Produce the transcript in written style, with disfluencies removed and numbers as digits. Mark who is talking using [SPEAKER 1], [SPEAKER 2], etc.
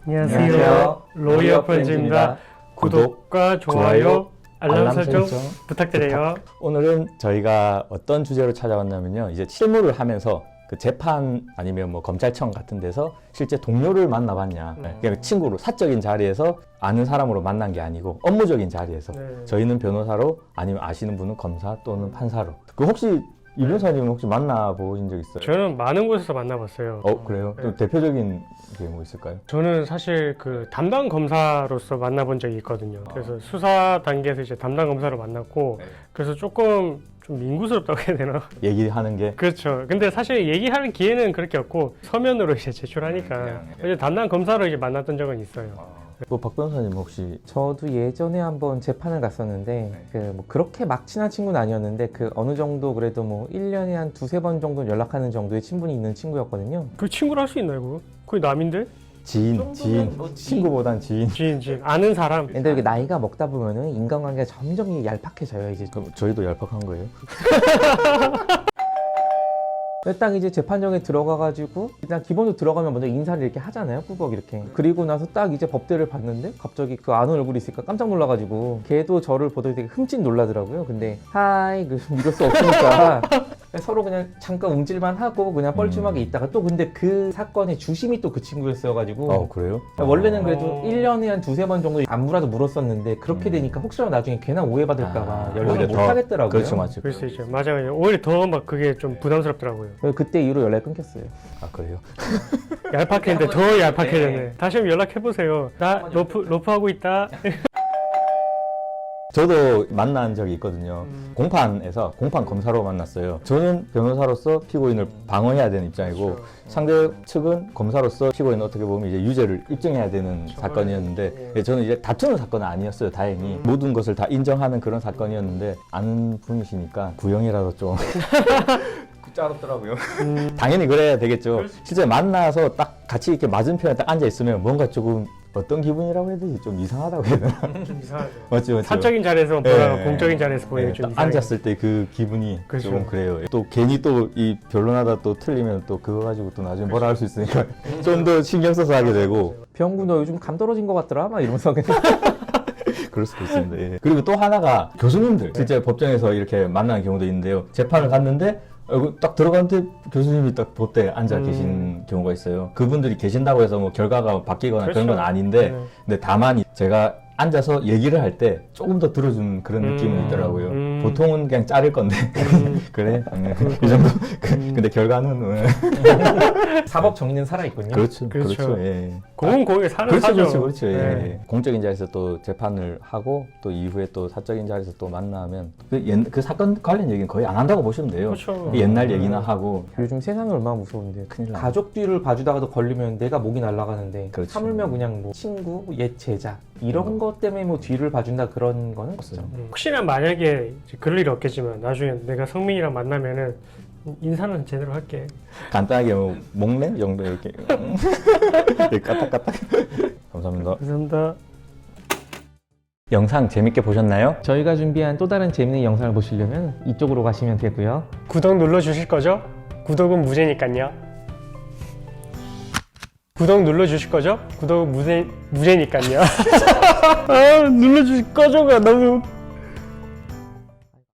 [SPEAKER 1] 안녕하세요. 로이어 프렌즈입니다. 구독과 좋아요, 알람 설정 부탁드려요.
[SPEAKER 2] 오늘은 저희가 어떤 주제로 찾아왔냐면요. 이제 실무를 하면서 그 재판 아니면 뭐 검찰청 같은 데서 실제 동료를 만나봤냐. 그냥 친구로 사적인 자리에서 아는 사람으로 만난 게 아니고 업무적인 자리에서 저희는 변호사로 아니면 아시는 분은 검사 또는 판사로. 그 혹시 이 변호사님은 혹시 만나보신 적 있어요?
[SPEAKER 1] 저는 많은 곳에서 만나봤어요.
[SPEAKER 2] 그래요? 또 대표적인 게 뭐 있을까요?
[SPEAKER 1] 저는 사실 그 담당 검사로서 만나본 적이 있거든요. 그래서 수사 단계에서 이제 담당 검사로 만났고, 그래서 조금 좀 민구스럽다고 해야 되나?
[SPEAKER 2] 얘기하는 게?
[SPEAKER 1] 그렇죠. 근데 사실 얘기하는 기회는 그렇게 없고 서면으로 이제 제출하니까 이제 담당 검사로 이제 만났던 적은 있어요.
[SPEAKER 2] 박 변호사님 혹시
[SPEAKER 3] 저도 예전에 한번 재판을 갔었는데 뭐 그렇게 막 친한 친구는 아니었는데 그 어느 정도 그래도 뭐 1년에 한 두세 번 정도 연락하는 정도의 친분이 있는 친구였거든요.
[SPEAKER 1] 그 친구를 할 수 있나요, 그거? 그게 남인데?
[SPEAKER 2] 지인, 친구보단 지인.
[SPEAKER 1] 지인. 아는 사람.
[SPEAKER 3] 근데 이게 나이가 먹다 보면은 인간관계가 점점 얄팍해져요, 이제.
[SPEAKER 2] 그럼 저희도 얄팍한 거예요?
[SPEAKER 3] 딱 이제 재판정에 들어가가지고 일단 기본적으로 들어가면 먼저 인사를 이렇게 하잖아요, 꾸벅 이렇게. 그리고 나서 딱 이제 법대를 봤는데 갑자기 그 아는 얼굴이 있으니까 깜짝 놀라가지고 걔도 저를 보더니 되게 흠칫 놀라더라고요. 근데 하이 이럴 수 없으니까 서로 그냥 잠깐 움찔만 하고 그냥 뻘쭘하게 있다가 또 근데 그 사건의 주심이 또 그 친구였어가지고
[SPEAKER 2] 그래요?
[SPEAKER 3] 원래는 그래도 1년에 한 두세 번 정도 안무라도 물었었는데 그렇게 되니까 혹시라도 나중에 괜한 오해받을까봐 연락을 못 하겠더라고요.
[SPEAKER 2] 그렇죠, 맞죠.
[SPEAKER 1] 그럴 수 있죠. 맞아요. 오히려 더 막 그게 좀 부담스럽더라고요.
[SPEAKER 3] 그때 이후로 연락이 끊겼어요.
[SPEAKER 2] 그래요?
[SPEAKER 1] 얄팍했는데 더 얄팍해졌네. 다시 한번 연락해보세요. 나 로프 하고 있다.
[SPEAKER 2] 저도 만난 적이 있거든요. 공판에서 공판 검사로 만났어요. 저는 변호사로서 피고인을 방어해야 되는 입장이고 상대 측은 검사로서 피고인을 어떻게 보면 이제 유죄를 입증해야 되는 사건이었는데 저는 이제 다투는 사건은 아니었어요. 다행히 모든 것을 다 인정하는 그런 사건이었는데 아는 분이시니까 구형이라도 좀 짜롭더라고요. 당연히 그래야 되겠죠. 실제 만나서 딱 같이 이렇게 맞은편에 딱 앉아 있으면 뭔가 조금 어떤 기분이라고 해야 되지? 좀 이상하다고 해야 되나?
[SPEAKER 1] 좀 이상하죠.
[SPEAKER 2] 맞죠.
[SPEAKER 1] 사적인 자리에서 보다가 공적인 자리에서 보이면 좀 이상해요.
[SPEAKER 2] 앉았을 때 그 기분이
[SPEAKER 1] 그렇죠.
[SPEAKER 2] 좀 그래요. 또 괜히 또 이 변론하다 또 틀리면 또 그거 가지고 또 나중에 뭐라 할 수 있으니까 좀 더 신경 써서 하게 되고.
[SPEAKER 3] 병구 너 요즘 감 떨어진 것 같더라? 막 이러면서 그냥
[SPEAKER 2] 그럴 수도 있습니다. 예. 그리고 또 하나가 교수님들 실제 법정에서 이렇게 만나는 경우도 있는데요. 재판을 갔는데 딱 들어갔는데 교수님이 딱 보때 앉아 계신 경우가 있어요. 그분들이 계신다고 해서 뭐 결과가 바뀌거나
[SPEAKER 1] 그렇죠.
[SPEAKER 2] 그런 건 아닌데 근데 다만 제가 앉아서 얘기를 할 때 조금 더 들어주는 그런 느낌은 있더라고요. 보통은 그냥 자를 건데 그래? 이 정도? 근데 결과는
[SPEAKER 3] 사법 정의는 살아있군요.
[SPEAKER 2] 그렇죠.
[SPEAKER 1] 예. 공은 공에 사는 사죠.
[SPEAKER 2] 그렇죠. 예. 공적인 자리에서 또 재판을 하고 또 이후에 또 사적인 자리에서 또 만나면 그 사건 관련 얘기는 거의 안 한다고 보시면 돼요.
[SPEAKER 1] 그렇죠.
[SPEAKER 2] 옛날 얘기나 하고.
[SPEAKER 3] 요즘 세상이 얼마나 무서운데
[SPEAKER 2] 큰일 나요.
[SPEAKER 3] 가족 뒤를 봐주다가도 걸리면 내가 목이 날아가는데
[SPEAKER 2] 그렇죠.
[SPEAKER 3] 하물며 그냥 뭐 친구, 옛 제자 이런 것 때문에 뭐 뒤를 봐준다 그런 거는 없죠.
[SPEAKER 1] 혹시나 만약에 이제 그럴 일이 없겠지만 나중에 내가 성민이랑 만나면은 인사는 제대로 할게.
[SPEAKER 2] 간단하게 뭐 목냄 정도 이렇게 까딱까딱. 감사합니다.
[SPEAKER 1] 감사합니다.
[SPEAKER 2] 영상 재밌게 보셨나요?
[SPEAKER 3] 저희가 준비한 또 다른 재밌는 영상을 보시려면 이쪽으로 가시면 되고요.
[SPEAKER 1] 구독 눌러주실 거죠? 구독은 무제니까요. 구독 눌러주실 거죠? 구독은 무제니까요. 눌러주실 거죠가 너무